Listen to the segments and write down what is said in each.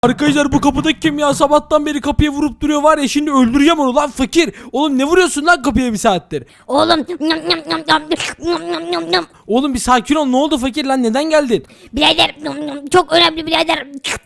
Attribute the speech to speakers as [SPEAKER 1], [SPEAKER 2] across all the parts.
[SPEAKER 1] Arkadaşlar bu kapıdaki kim ya? Sabahtan beri kapıya vurup duruyor var ya, şimdi öldüreceğim onu lan fakir. Oğlum ne vuruyorsun lan kapıya bir saattir?
[SPEAKER 2] Oğlum
[SPEAKER 1] Oğlum bir sakin ol, ne oldu fakir lan, neden geldin?
[SPEAKER 2] birader çok önemli birader.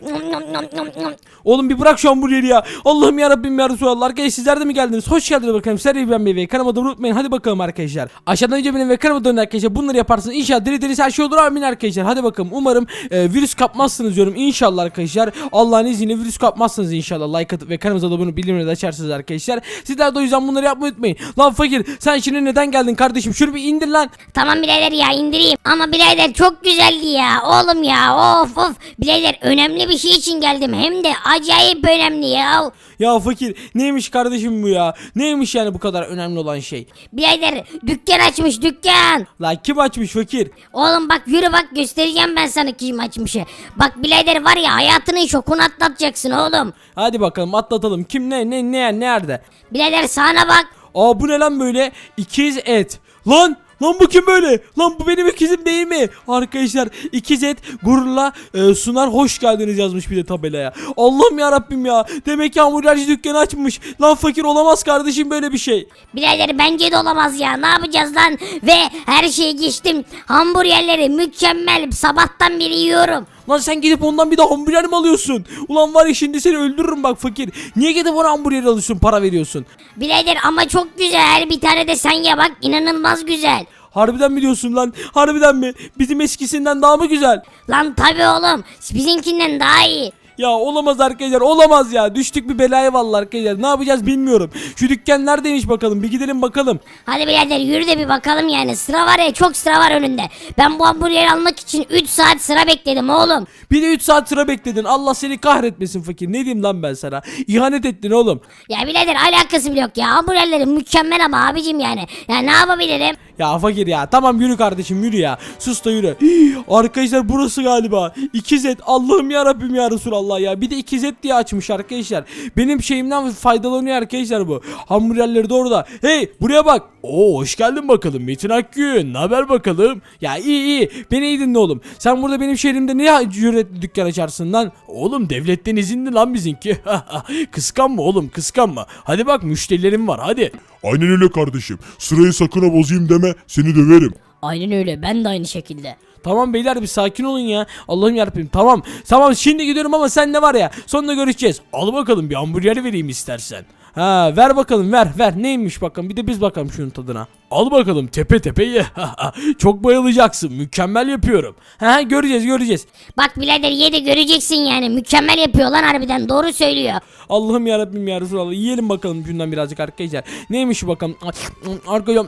[SPEAKER 1] Oğlum bir bırak şu hamburgeri ya. Allah'ım yarabbim ya Resulallah. Arkadaşlar sizler de mi geldiniz? Hoş geldiniz bakalım. Serayı ben ve kanalıma da unutmayın. Hadi bakalım arkadaşlar. Aşağıdan önce benim ve kanalıma dönün arkadaşlar. Bunları yaparsınız. İnşallah deli her şey olur amin arkadaşlar. Hadi bakalım. Umarım virüs kapmazsınız diyorum. İnşallah arkadaşlar. Allah'ın izniyle virüs kapmazsınız inşallah. Like atıp ve kanalımıza da bunu bildirimleri de açarsınız arkadaşlar. Sizler de o yüzden bunları yapmayı unutmayın. Lan fakir sen şimdi neden geldin kardeşim? Şunu bir indir lan.
[SPEAKER 2] Tamam birader ya indireyim. Ama birader çok güzeldi ya. Oğlum ya of. Birader önemli bir şey için geldim. Hem de acayip önemli ya.
[SPEAKER 1] Ya fakir neymiş kardeşim bu ya? Neymiş yani bu kadar önemli olan şey?
[SPEAKER 2] Birader dükkan açmış dükkan.
[SPEAKER 1] Lan kim açmış fakir?
[SPEAKER 2] Oğlum bak yürü bak göstereceğim ben sana kim açmışı. Bak birader var ya hayatının şokunu atlatacaksın oğlum.
[SPEAKER 1] Hadi bakalım atlatalım. Kim nerede?
[SPEAKER 2] Birader sağına bak.
[SPEAKER 1] Aa bu ne lan böyle? İkiz et. Lan bu kim böyle? Lan bu benim ikizim değil mi? Arkadaşlar ikiz et gururla sunar hoş geldiniz yazmış bir de tabelaya. Allah'ım ya Rabbim ya. Demek ki hamburgerci dükkanı açmış. Lan fakir olamaz kardeşim böyle bir şey.
[SPEAKER 2] Birader bence de olamaz ya. Ne yapacağız lan? Ve her şeyi geçtim. Hamburgerleri mükemmel. Sabahtan beri yiyorum.
[SPEAKER 1] Lan sen gidip ondan bir de hamburger mi alıyorsun? Ulan var ya şimdi seni öldürürüm bak fakir. Niye gidip ona hamburger alıyorsun, para veriyorsun?
[SPEAKER 2] Birader ama çok güzel. Bir tane de sen ye bak. İnanılmaz güzel.
[SPEAKER 1] Harbiden mi diyorsun lan? Harbiden mi? Bizim eskisinden daha mı güzel?
[SPEAKER 2] Lan tabi oğlum. Bizimkinden daha iyi.
[SPEAKER 1] Ya olamaz arkadaşlar, olamaz ya, düştük bir belaya vallahi arkadaşlar, ne yapacağız bilmiyorum. Şu dükkan neredeymiş bakalım, bir gidelim bakalım.
[SPEAKER 2] Hadi birader yürü de bir bakalım yani. Sıra var ya çok sıra var önünde. Ben bu hamburgeri almak için 3 saat sıra bekledim oğlum.
[SPEAKER 1] Bir de 3 saat sıra bekledin, Allah seni kahretmesin fakir, ne diyeyim lan ben sana, ihanet ettin oğlum.
[SPEAKER 2] Ya birader alakası bile yok ya. Hamburgerleri mükemmel ama abicim yani. Ya ne yapabilirim?
[SPEAKER 1] Ya fakir ya, tamam yürü kardeşim yürü ya, sus da yürü. Arkadaşlar burası galiba ikiz et, Allah'ım ya Rabbim ya Resulallah ya, bir de ikiz et diye açmış arkadaşlar. Benim şeyimden faydalanıyor arkadaşlar bu. Hamburgerleri de orada. Hey buraya bak. Oo hoş geldin bakalım Metin Akgün, ne haber bakalım? Ya iyi beni iyi dinle oğlum. Sen burada benim şehrimde ne cüretli dükkan açarsın lan? Oğlum devletten izinli lan bizimki. Kıskanma oğlum, kıskanma. Hadi bak müşterilerim var, hadi.
[SPEAKER 3] Aynen öyle kardeşim. Sırayı sakın ha bozayım deme, seni döverim.
[SPEAKER 2] Aynen öyle ben de aynı şekilde.
[SPEAKER 1] Tamam beyler bir sakin olun ya. Allah'ım yarabbim, tamam şimdi gidiyorum ama sen ne var ya, sonunda görüşeceğiz. Al bakalım bir hamburger vereyim istersen. Ha ver bakalım, ver neymiş bakalım, bir de biz bakalım şunun tadına. Al bakalım tepe ye. Çok bayılacaksın, mükemmel yapıyorum. Ha göreceğiz.
[SPEAKER 2] Bak birader ye de göreceksin yani. Mükemmel yapıyor lan harbiden doğru söylüyor.
[SPEAKER 1] Allah'ım yarabbim ya Resulallah, yiyelim bakalım şundan birazcık arkadaşlar. Neymiş şu bakalım. Arkadaşlar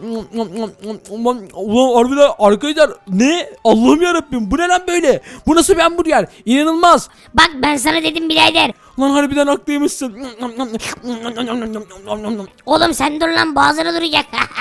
[SPEAKER 1] ulan harbiden arkadaşlar, ne? Allah'ım yarabbim, bu ne lan böyle? Bu nasıl bir hamburger? İnanılmaz.
[SPEAKER 2] Bak ben sana dedim birader.
[SPEAKER 1] Lan harbiden haklıymışsın.
[SPEAKER 2] Oğlum sen dur lan boğazına duracak.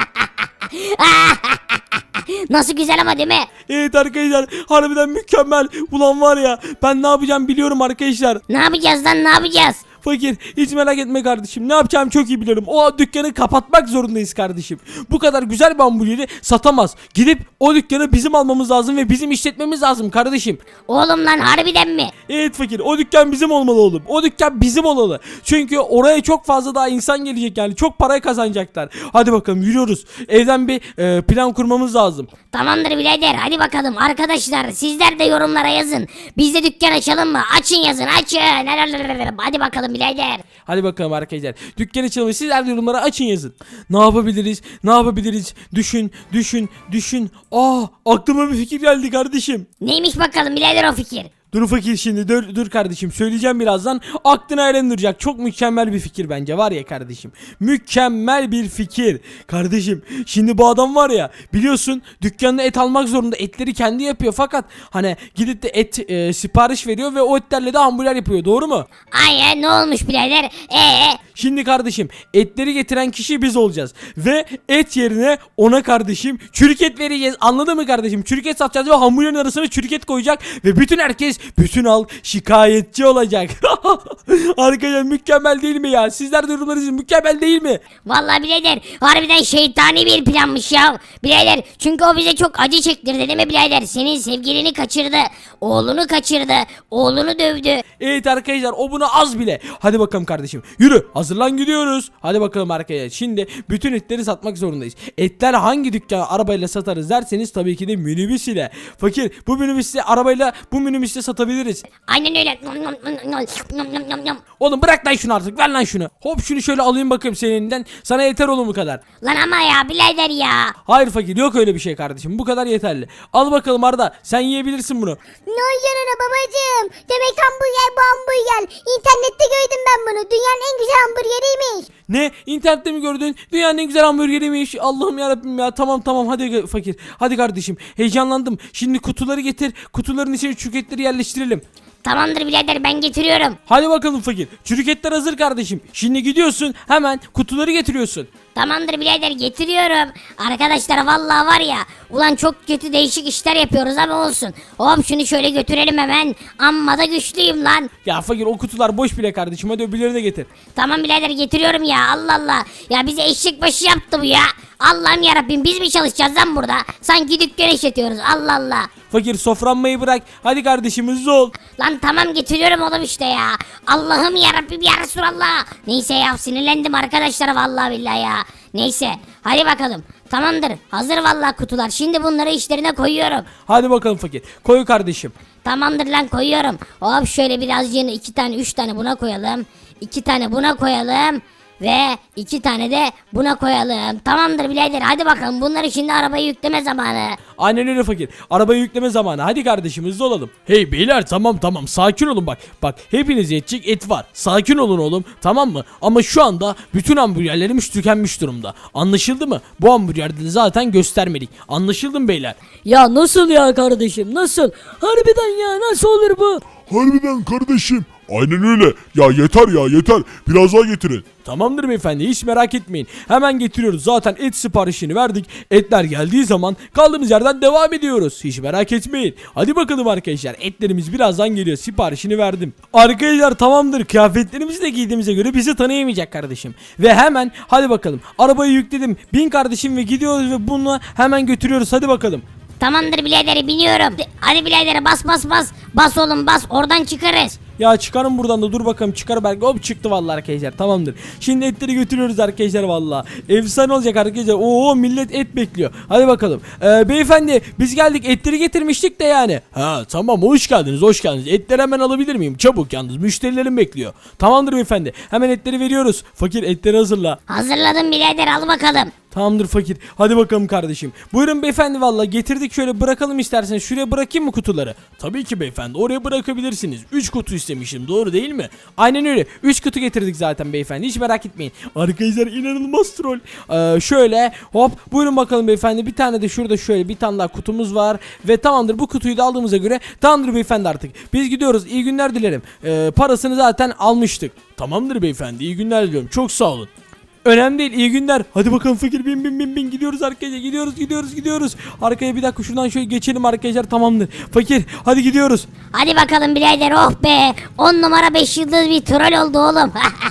[SPEAKER 2] Nasıl güzel ama değil mi?
[SPEAKER 1] Evet arkadaşlar, harbiden mükemmel. Ulan var ya, ben ne yapacağım biliyorum arkadaşlar.
[SPEAKER 2] Ne yapacağız lan ne yapacağız?
[SPEAKER 1] Fakir hiç merak etme kardeşim, ne yapacağım çok iyi biliyorum. O dükkanı kapatmak zorundayız kardeşim. Bu kadar güzel bir hamburgeri satamaz. Gidip o dükkanı bizim almamız lazım ve bizim işletmemiz lazım kardeşim.
[SPEAKER 2] Oğlum lan harbiden mi?
[SPEAKER 1] Evet fakir, o dükkan bizim olmalı oğlum. O dükkan bizim olmalı. Çünkü oraya çok fazla daha insan gelecek, yani çok para kazanacaklar. Hadi bakalım yürüyoruz. Evden bir plan kurmamız lazım.
[SPEAKER 2] Tamamdır birader hadi bakalım arkadaşlar sizler de yorumlara yazın. Biz de dükkan açalım mı? Açın yazın açın. Hadi bakalım birader.
[SPEAKER 1] Hadi bakalım arkadaşlar. Dükkan açalım. Sizler de yorumlara açın yazın. Ne yapabiliriz? Ne yapabiliriz? Düşün. Aklıma bir fikir geldi kardeşim.
[SPEAKER 2] Neymiş bakalım birader o fikir?
[SPEAKER 1] Dur fakir şimdi dur kardeşim, söyleyeceğim birazdan, aklına eğlendirecek çok mükemmel bir fikir bence, var ya kardeşim, mükemmel bir fikir kardeşim. Şimdi bu adam var ya, biliyorsun dükkanına et almak zorunda, etleri kendi yapıyor, fakat hani gidip de et sipariş veriyor ve o etlerle de hamburger yapıyor, doğru mu?
[SPEAKER 2] Aynen ne olmuş birader?
[SPEAKER 1] Şimdi kardeşim etleri getiren kişi biz olacağız. Ve et yerine ona kardeşim çürük et vereceğiz. Anladın mı kardeşim? Çürük et satacağız ve hamburgerin arasına çürük et koyacak. Ve bütün herkes, bütün halk şikayetçi olacak. Arkadaşlar mükemmel değil mi ya? Sizler de yorumlarınız mükemmel değil mi?
[SPEAKER 2] Vallahi birader harbiden şeytani bir planmış ya. Birader çünkü o bize çok acı çektirdi değil mi birader? Senin sevgilini kaçırdı. Oğlunu kaçırdı. Oğlunu dövdü.
[SPEAKER 1] Evet arkadaşlar o buna az bile. Hadi bakalım kardeşim. Yürü hazırlan gidiyoruz. Hadi bakalım arkadaşlar. Şimdi bütün etleri satmak zorundayız. Etler hangi dükkana arabayla satarız derseniz tabii ki de minibüs ile. Fakir bu minibüsle arabayla bu minibüsle satabiliriz.
[SPEAKER 2] Aynen öyle.
[SPEAKER 1] Oğlum bırak lan şunu artık, ver lan şunu. Hop şunu şöyle alayım bakayım senin elinden. Sana yeter oğlum bu kadar.
[SPEAKER 2] Lan ama ya birader ya.
[SPEAKER 1] Hayır fakir, yok öyle bir şey kardeşim, bu kadar yeterli. Al bakalım Arda, sen yiyebilirsin bunu.
[SPEAKER 4] Ne canına babacığım? Demek hamburger bu hamburger. İnternette gördüm ben bunu. Dünyanın en güzel hamburgeriymiş.
[SPEAKER 1] Ne? İnternette mi gördün? Dünyanın en güzel hamburgeriymiş. Allah'ım yarabbim ya. Tamam hadi fakir. Hadi kardeşim. Heyecanlandım. Şimdi kutuları getir. Kutuların içine çürük etleri yerleştirelim.
[SPEAKER 2] Tamamdır birader ben getiriyorum.
[SPEAKER 1] Hadi bakalım fakir. Çürük etler hazır kardeşim. Şimdi gidiyorsun hemen kutuları getiriyorsun.
[SPEAKER 2] Tamamdır birader getiriyorum. Arkadaşlar vallahi var ya. Ulan çok kötü değişik işler yapıyoruz ama olsun. Hop şunu şöyle götürelim hemen. Amma da güçlüyüm lan.
[SPEAKER 1] Ya fakir o kutular boş bile kardeşim. Hadi öbürlerini de getir.
[SPEAKER 2] Tamam birader getiriyorum ya Allah Allah. Ya bize eşek başı yaptı bu ya. Allah'ım yarabbim biz mi çalışacağız lan burada? Sanki dükkan işletiyoruz Allah Allah.
[SPEAKER 1] Fakir sofranmayı bırak. Hadi kardeşim hızlı ol.
[SPEAKER 2] Lan tamam getiriyorum oğlum işte ya. Allah'ım yarabbim ya Resulallah. Neyse ya sinirlendim arkadaşlar vallahi billahi ya. Neyse hadi bakalım. Tamamdır hazır vallahi kutular. Şimdi bunları işlerine koyuyorum.
[SPEAKER 1] Hadi bakalım fakir. Koy kardeşim.
[SPEAKER 2] Tamamdır lan koyuyorum. Hop şöyle birazcığını 2 tane 3 tane buna koyalım. 2 tane buna koyalım. Ve 2 tane de buna koyalım. Tamamdır birader hadi bakalım bunları şimdi arabaya yükleme zamanı.
[SPEAKER 1] Aynen öyle fakir. Arabayı yükleme zamanı. Hadi kardeşim hızlı olalım. Hey beyler tamam sakin olun bak. Bak hepiniz yetecek et var. Sakin olun oğlum, tamam mı? Ama şu anda bütün hamburgerlerimiz tükenmiş durumda. Anlaşıldı mı? Bu hamburgerleri zaten göstermedik. Anlaşıldı mı beyler?
[SPEAKER 5] Ya nasıl ya kardeşim nasıl? Harbiden ya nasıl olur bu?
[SPEAKER 3] Harbiden kardeşim. Aynen öyle. Ya yeter. Biraz daha getirin.
[SPEAKER 1] Tamamdır beyefendi, hiç merak etmeyin. Hemen getiriyoruz. Zaten et siparişini verdik. Etler geldiği zaman kaldığımız yerden devam ediyoruz. Hiç merak etmeyin. Hadi bakalım arkadaşlar. Etlerimiz birazdan geliyor. Siparişini verdim. Arkadaşlar tamamdır. Kıyafetlerimizi de giydiğimize göre bizi tanıyamayacak kardeşim. Ve hemen hadi bakalım. Arabayı yükledim. Bin kardeşim ve gidiyoruz ve bunu hemen götürüyoruz. Hadi bakalım.
[SPEAKER 2] Tamamdır birader biniyorum. Hadi birader bas. Bas oğlum bas oradan çıkarız.
[SPEAKER 1] Ya çıkarın buradan da, dur bakalım, çıkar belki. Hop çıktı vallahi arkadaşlar, tamamdır. Şimdi etleri götürüyoruz arkadaşlar vallahi. Efsane olacak arkadaşlar. Oo millet et bekliyor. Hadi bakalım. Beyefendi biz geldik, etleri getirmiştik de yani. Ha tamam, hoş geldiniz. Etleri hemen alabilir miyim? Çabuk yalnız, müşterilerim bekliyor. Tamamdır beyefendi, hemen etleri veriyoruz. Fakir etleri hazırla.
[SPEAKER 2] Hazırladım birader al bakalım.
[SPEAKER 1] Tamamdır fakir. Hadi bakalım kardeşim. Buyurun beyefendi, vallahi getirdik, şöyle bırakalım isterseniz. Şuraya bırakayım mı kutuları? Tabii ki beyefendi, oraya bırakabilirsiniz. 3 kutu istemişim, doğru değil mi? Aynen öyle. 3 kutu getirdik zaten beyefendi, hiç merak etmeyin. Arkadaşlar inanılmaz troll. Şöyle hop buyurun bakalım beyefendi. Bir tane de şurada şöyle bir tane daha kutumuz var. Ve tamamdır, bu kutuyu da aldığımıza göre tamamdır beyefendi artık. Biz gidiyoruz, iyi günler dilerim. Parasını zaten almıştık. Tamamdır beyefendi, iyi günler diliyorum. Çok sağ olun. Önemli değil, iyi günler. Hadi bakalım fakir, bin gidiyoruz arkadaşlar, gidiyoruz. Arkaya bir dakika şuradan şöyle geçelim arkadaşlar, tamamdır. Fakir hadi gidiyoruz.
[SPEAKER 2] Hadi bakalım birader oh be. 10 numara 5 yıldız bir troll oldu oğlum.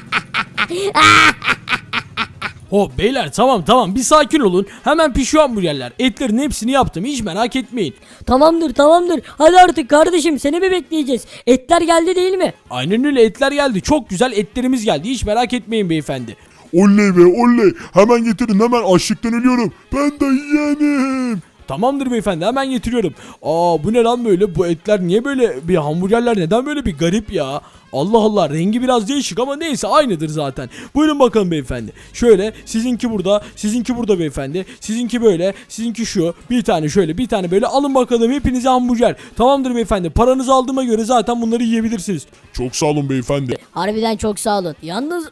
[SPEAKER 1] Hop beyler tamam bir sakin olun. Hemen pişiyor hamburgerler. Etlerin hepsini yaptım, hiç merak etmeyin.
[SPEAKER 5] Tamamdır. Hadi artık kardeşim seni mi bekleyeceğiz? Etler geldi değil mi?
[SPEAKER 1] Aynen öyle, etler geldi. Çok güzel etlerimiz geldi, hiç merak etmeyin beyefendi.
[SPEAKER 3] Oley be oley. Hemen getirin, hemen açlıktan ölüyorum. Ben de yeğenim.
[SPEAKER 1] Tamamdır beyefendi, hemen getiriyorum. Bu ne lan böyle, bu etler niye böyle, bir hamburgerler neden böyle bir garip ya. Allah Allah, rengi biraz değişik ama neyse aynıdır zaten. Buyurun bakalım beyefendi. Şöyle sizinki burada beyefendi. Sizinki böyle, sizinki şu. Bir tane şöyle, bir tane böyle, alın bakalım hepinize hamburger. Tamamdır beyefendi, paranızı aldığıma göre zaten bunları yiyebilirsiniz.
[SPEAKER 3] Çok sağ olun beyefendi.
[SPEAKER 5] Harbiden çok sağ olun. Yalnız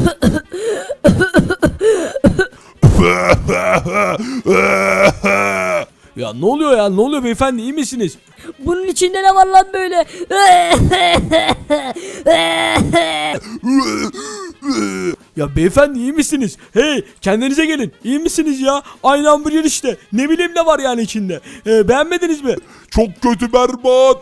[SPEAKER 1] Ya ne oluyor beyefendi, iyi misiniz?
[SPEAKER 5] bunun içinde ne var lan böyle?
[SPEAKER 1] Ya beyefendi iyi misiniz? Hey kendinize gelin. İyi misiniz ya? Aynı hamburger işte. Ne bileyim ne var yani içinde. Beğenmediniz mi?
[SPEAKER 3] Çok kötü, berbat.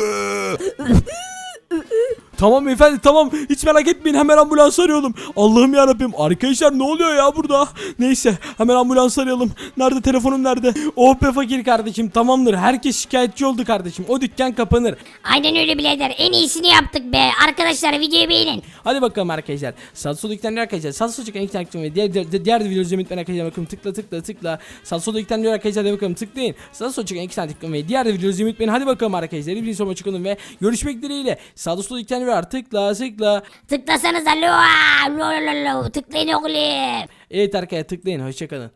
[SPEAKER 1] Tamam beyefendi tamam. Hiç merak etmeyin. Hemen ambulans arayalım. Allah'ım yarabbim. Arkadaşlar ne oluyor ya burada? Neyse hemen ambulans arayalım. Nerede telefonum nerede? Oh be fakir kardeşim tamamdır. Herkes şikayetçi oldu kardeşim. O dükkan kapanır.
[SPEAKER 2] Aynen öyle birader. En iyisini yaptık be. Arkadaşlar videoyu beğenin.
[SPEAKER 1] Hadi bakalım arkadaşlar. Sağ sol yüklendir arkadaşlar. Sağ sol çıkan ilk takdim ve diğer videoları izlemeyi unutmayın arkadaşlar. Bakın tıkla. Sağ sol yüklendir arkadaşlar. Hadi bakalım tıklayın. Sağ sol çıkan ilk takdim ve diğer videoları izlemeyi unutmayın. Hadi bakalım arkadaşlar. Bir sonraki çıkalım ve görüşmek dileğiyle. Sağ sol yüklendir artık. Tıkla.
[SPEAKER 2] Tıklasanıza. Tıklayın oğlum.
[SPEAKER 1] Evet arkadaşlar tıklayın. Hoşçakalın.